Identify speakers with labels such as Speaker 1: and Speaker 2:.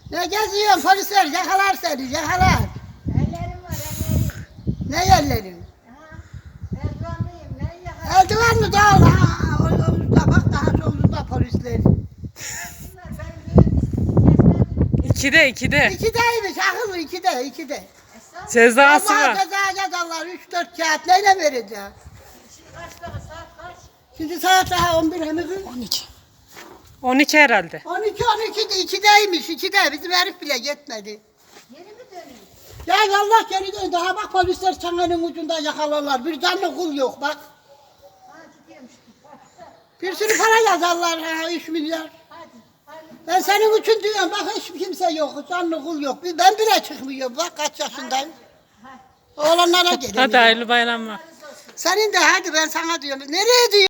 Speaker 1: Ne geziyorsun polisler yakalar seni yakalar.
Speaker 2: Ellerim var ellerim.
Speaker 1: Ne yerlerin?
Speaker 2: Ha, eldivenliyim ne yakalar.
Speaker 1: Eldiven mi daha da bak daha solunda polisler.
Speaker 2: Bunlar benim kesmedim.
Speaker 3: İkide.
Speaker 1: İkideymiş akıllı ikide.
Speaker 2: Esas
Speaker 3: Cezası
Speaker 1: Allah
Speaker 3: var.
Speaker 1: ceza yazarlar 3-4 kağıt neyle vereceğim?
Speaker 2: şimdi kaç dakika saat kaç?
Speaker 1: Şimdi saat daha 11 hemen
Speaker 3: 12. 12 herhalde.
Speaker 1: 12 2'deymiş 2'de bizim herif bile yetmedi.
Speaker 2: Geri mi döneyim?
Speaker 1: Ya Allah geri dön daha bak polisler çanganın ucunda yakalarlar bir canlı kul yok bak.
Speaker 2: Ha gidiyorum şimdi.
Speaker 1: Bir sürü para yazarlar ha 3 milyar.
Speaker 2: Hadi. Hadi.
Speaker 1: Ben senin için diyorum bak hiç kimse yok canlı kul yok. Ben bile çıkmıyorum bak kaç yaşındayım. Oğlanlara gelelim.
Speaker 3: Hadi hayırlı bayramlar.
Speaker 1: Senin de hadi ben sana diyorum. Nereye diyor?